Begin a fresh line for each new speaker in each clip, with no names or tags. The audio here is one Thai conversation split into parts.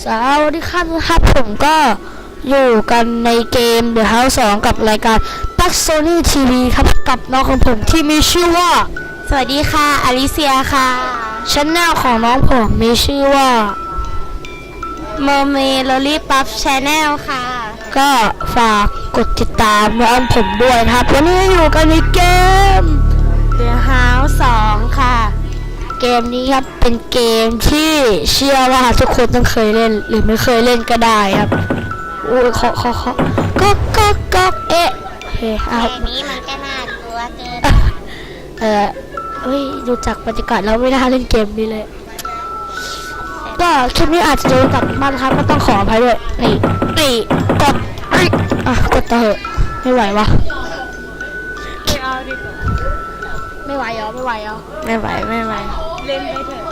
สวัสดีครับผมก็อยู่กันในเกม The House 2 กับรายการ Pax Sony TV ครับกับน้องของผมที่มีชื่อว่า
สวัสดีค่ะอลิเซียค่ะ
channel ของน้องผมมีชื่อว่า
Mermaid Lollipop Channel ค่ะ
ก็ฝากกดติดตามน้องผมด้วยนะครับวันนี้อยู่กันในเกม
The House 2 ค่ะ
เกมนี้ครับเป็นเกมที่เชื่อว่าทุกคนต้องเคยเล่นหรือไม่เคยเล่นก็ได้ครับโอ้ยขอก็เอ๊ะเฮ้ย
เกมนี้มันก็น่ากลัวเกิน
เฮ้ยดูจากบรรยากาศแล้วไม่น่าเล่นเกมนี้เลยก็คลิปนี้อาจจะโดนตัดบ้างครับก็ต้องขออภัยด้วยนี่กดกดต่อเหอะไม่ไหววะไม่ไหวเหรอ
ไม่ไหวเล่นไปเถอะ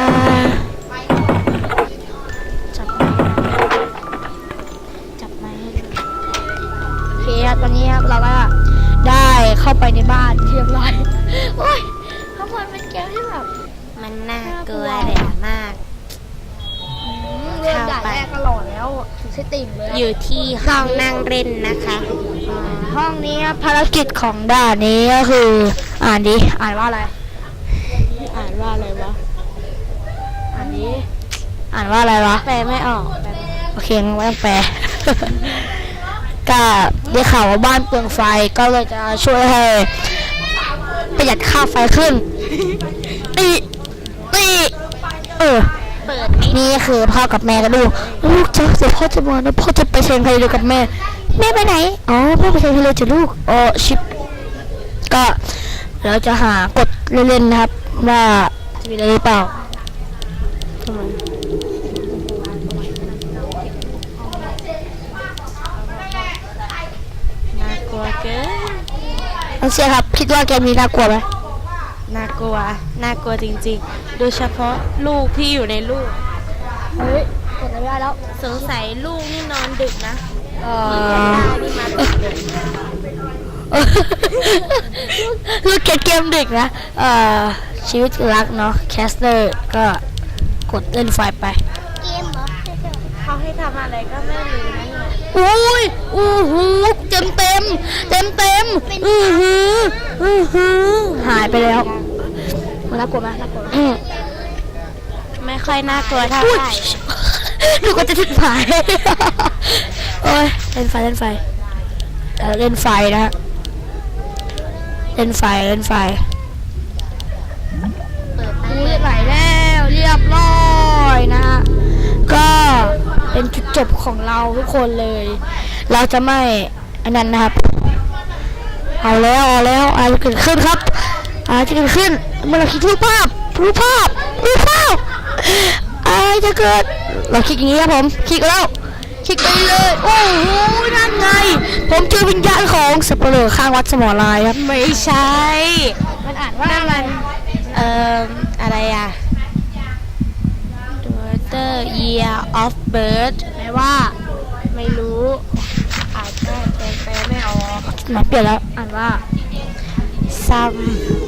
จับไม้ให้ดูโอเคครับตอนนี้ครับเราก็ได้เข้าไปในบ้านเรียบร้อยโอ้ยข้างบนเป็นเกมที่แบบ
มันน่ากลัวเลยมาก
เรื่องด่านแรกก็หล่อแล้วถึงสติ่งเลย
อยู่ที่ห้องนั่งเล่นนะคะ
ห้องนี้ภารกิจของด่านนี้ก็คืออ่านดิอ่านว่าอะไร
วะอ่านว่าอะไรวะ
แปลไม่ออกโอเคงั้นไม่ต้องแปล ก็ได้ข่าวว่าบ้านเปลืองไฟก็เลยจะช่วยให้ประหยัดค่าไฟขึ้นนี่คือพ่อกับแม่กันลูกเดี๋ยวพ่อจะมาแล้วพ่อจะไปเชียงทะเลกับแม่ไปไหนอ๋อพ่อไปเชียงทะเลจ้ะลูกอ๋อชิปก็เราจะหากดเล่นๆนะครับว่าจะมีอะไรหรือเปล่า
น่ากลัวเกิน
น้องเชียร์ครับคิดว่าเกมนี้น่ากลัวไหม
น่ากลัวจริงๆโดยเฉพาะลูกที่อยู่ในลูก
เฮ้ยกดไม่ได้แล้ว
สงสัยลูกนี่นอนดึกนะนี่มา
ลูกเกมดึกนะชีวิตรักเนาะแคสเตอร์ก็กดเล่นไฟไป
เกมเหรอเขาให้ทำอะไรก็ไม่รู้นะเนี่ย
เต็มหายไปแล้วน่ากลัวไหม
ไม่ค่อยน่ากลัวเท่าไหร่
ลูกก็จะถึงไฟโอ้ยเล่นไฟนะเล่นไฟไหลแล้วเรียบร้อยนะฮะก็เป็นจุดจบของเราทุกคนเลยเราจะไม่อันนั้นนะครับเอาแล้วอะไรเกิดขึ้นครับจะเกิดขึ้นเมื่อเราคิดรูปภาพอะไรจะเกิดเราคลิกอย่างนี้ครับผมคลิกแล้วคลิกไปเลยโอ้โหนั่นไงผมเจอวิญญาณของสับเปลือข้างวัดสมอลายครับ
ไม่ใช่
มันอ่านว่า
อะไรอ่ะ Daughter Year of Birth
แปลว่า
ไม่รู้อ่านแปลไม่ออก
มาเปลี่ยนแล้วอ่านว่า
Some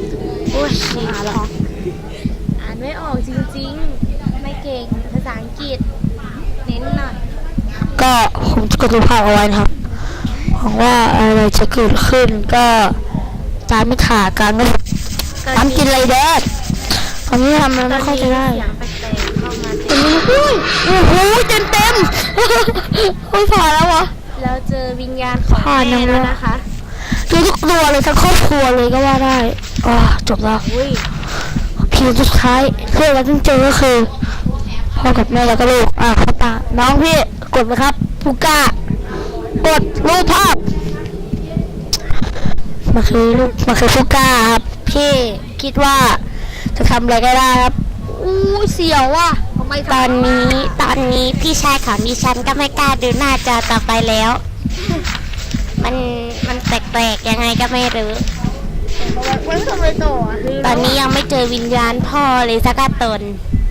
อ่านไม่ออกจริงๆไม่เก่งภาษาอังกฤษเน้นหน่อย
ก็ผมจะกดรูปภาพเอาไว้นะครับหวังว่าอะไรจะเกิดขึ้นก็ตามไม่ขาดกันนะตามกินอะไรเด็ดตอนนี้ทำอะไรไม่ค่อยจะได้ตอนนี้โอ้โหเต็มผ่านแล้ววะ
เราเจอวิญญาณของแม่แล้วนะคะ
เจอทุกตัวเลยทั้งครอบครัวเลยก็ว่าได้จบแล้วพีสุดท้ายเพื่อนเราต้องเจอก็คือพ่อกับแม่แล้วก็ลูกพ่อตาน้องพี่กดนะครับฟูก้ากดรูปภาพมาคือฟูก้าครับพี่คิดว่าจะทำอะไรก็ได้ครับเสียวว่ะ
ทำไมตอนนี้พี่ชายของดิฉันก็ไม่กล้าดูหน้าจอต่อไปแล้วมันแปลกๆยังไงก็ไม่รู้ตอนนี้ยังไม่เจอวิญญาณพ่อเลยสักตน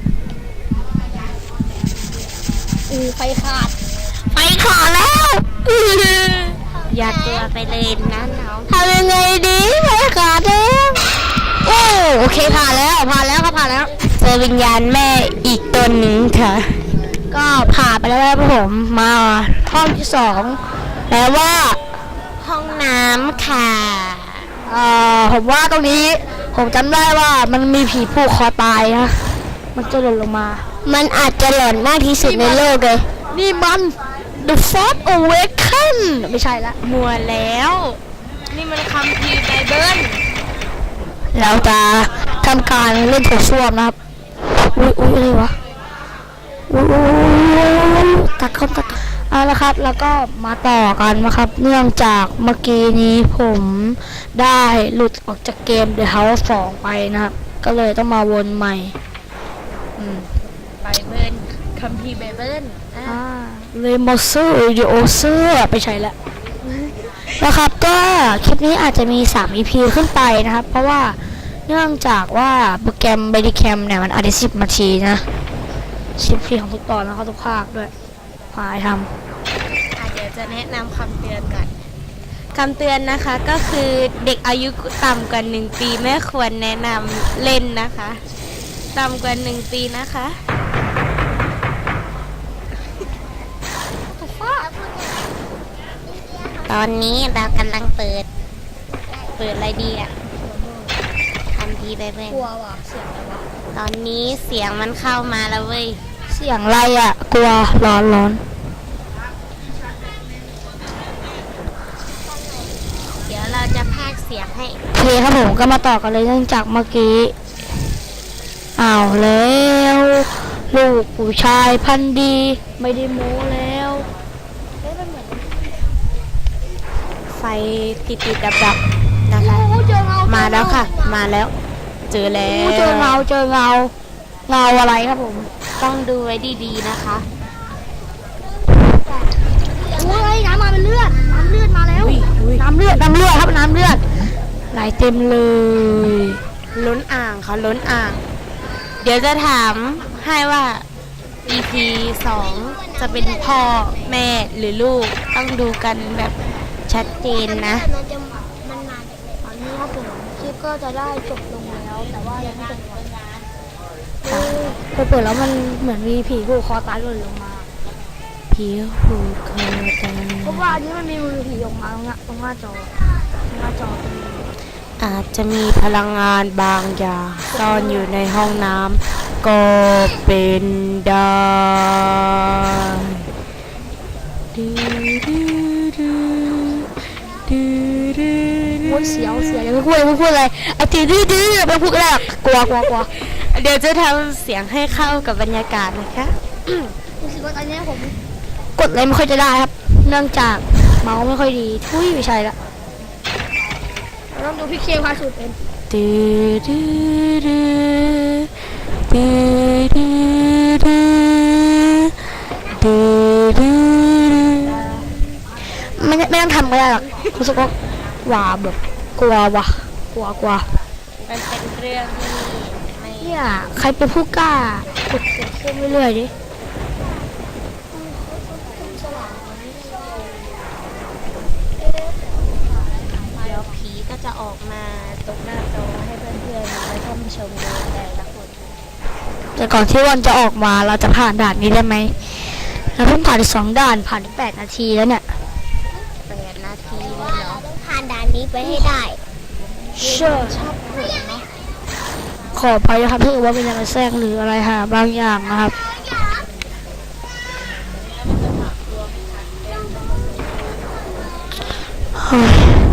ไฟขาด
แล้ว อย่ากลัวไปเลยนะน้อง
ทำยังไงดีไฟขาดแล้วโอเคผ่านแล้วเจอวิญญาณแม่อีกตนหนึ่งค่ะ ก็ผ่านไปแล้วนะครับผมมาห้องที่สองแล้วว่า
ห้องน้ำค่ะ
ผมว่าตรงนี้ผมจำได้ว่ามันมีผีผูกคอตายนะมันจะหล่นลงมา
มันอาจจะหลอนมากที่สุดในโลกเลย
นี่มัน The Force Awakens ไม่ใช่ละ
มัวแล้ว นี่มันคัมภีร์ไบเบิล
เราจะทำการเล่นโถส้วมนะครับอุ้ยอะไรวะอุ้ยตัดเข้าตัดเอาละครับแล้วก็มาต่อกันนะครับ เนื่องจากเมื่อกี้นี้ผมได้หลุดออกจากเกม The House 2 ไปนะครับ ก็เลยต้องมาวนใหม่
ไบเบิลคัมภีร์ไบเบิล
เลยมอเซอร์วิดีโอเซอร์ไปใช้แล้วนะครับก็คลิปนี้อาจจะมี3 EP ขึ้นไปนะครับ เพราะว่าเนื่องจากว่าโปรแกรม Badicam เนี่ยมันอาจจะ10 นาทีนะ10 นาทีของทุกตอนแล้วก็ทุกภาคด้วยหายท
เดี๋ยวจะแนะนำคำเตือนก่อนคำเตือนนะคะก็คือเด็กอายุต่ำกว่า1 ปีไม่ควรแนะนำเล่นนะคะต่ำกว่า1 ปีนะคะตอนนี้เรากำลังเปิดอะไรดีอ่ะคัมภีร์ไบเบิล
ำกลัวว่ะเสียงอะไรวะ
ตอนนี้เสียงมันเข้ามาแล้วเว้ย
เสียงอะไรอ่ะกลัวร้อน
เดี๋ยวเราจะพากย์เสียงให้
โอเคครับผมก็มาต่อกันเลยเนื่องจากเมื่อกี้อ้าวแล้วลูกผู้ชายพันธุ์ดีไม่ได้โม้แล้ว
ไฟติดดับๆนะคะ มาแล้วค่ะ มาแล้ว เจอแล้ว
เจอเงาอะไรครับผม
ต้องดูไว้ดีๆนะคะ
โอ้ยน้ำมาเป็นเลือดน้ำเลือดมาแล้วน้ำเลือดครับน้ำเลือดไหลเต็มเลย
ล้นอ่างค่ะล้นอ่าง เดี๋ยวจะถามให้ว่า EP 2 จะเป็นพ่อแม่หรือลูกต้องดูกันแบบชัดเจนนะ
ตอนนี้ครับผมคลิปก็จะได้จบลงแล้วแต่ว่ายังไม่จบไปเปิดแล้วมันเหมือนมีผีผูกคอตายหล่นลงมา
ผีผูกคอตาย
เพราะว่าอันนี้มันมีมือผีออกมาตรงหน้าจอตรงนี้
อาจจะมีพลังงานบางอย่างซ่อนอยู่ในห้องน้ำก็เป็นได้
โอ้ยเสียวอย่าไปพูดอะไรไอ้ตีดื้อไปพูดอะไรกลัว
เดี๋ยวจะทำเสียงให้เข้ากับบรรยากาศนะคะ
รู้สึกว่าตอนนี้ผมกดอะไรไม่ค่อยจะได้ครับ เนื่องจากเมาส์ไม่ค่อยดีทุยไม่ใช่ละเราต้องดูพี่เคพาสูตรเป็นไม่ต้องทำก็ได้หรอกรู้สึกว่าหวาแบบกลัวว่ะกลัว
มันเป็นเรื่องที่ไม่
เนี่ยใครเป็นผู้กล้ากดเสียงเครื่องเรื่อยๆดิ
เดี๋ยวผีก็จะออกมาตรงหน้าจอให้เพื่อนๆและท่านผู้ชมดูแต่ละคน
แต่ก่อนที่วันจะออกมาเราจะผ่านด่านนี้ได้ไหมเราเพิ่งผ่าน2 ด่านผ่านไป8 นาทีแล้วเนี่ย
8 นาทีเลยเหรอผ่านด่านนี้ไปให้ได้
เชื่อ
ชอบเห็นไหม
ขอไปนะครับถ้าเกิดว่ามีอะไรแทรกหรืออะไรหาบางอย่างนะครับเฮ้ย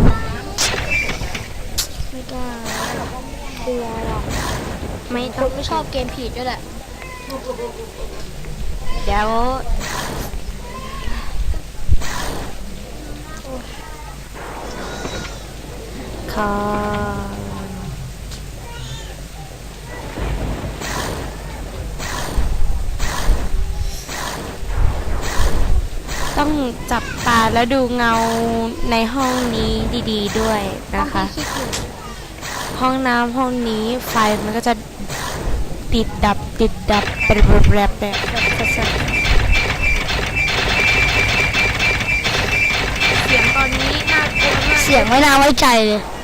ไม่กล้ากลัวหรอก
ไม่
ค
ต้อง
นไม่ชอบเกมผีด้วยแหละ
เดี๋ยวค่ะต้องจับตาแล้วดูเงาในห้องนี้ดีๆด้วยนะคะ ห้องน้ำห้องนี้ไฟมันก็จะติดดับแบบเสียงตอนนี้น่ากลัวมาก
เสียงไม่น่าไว้ใจเลย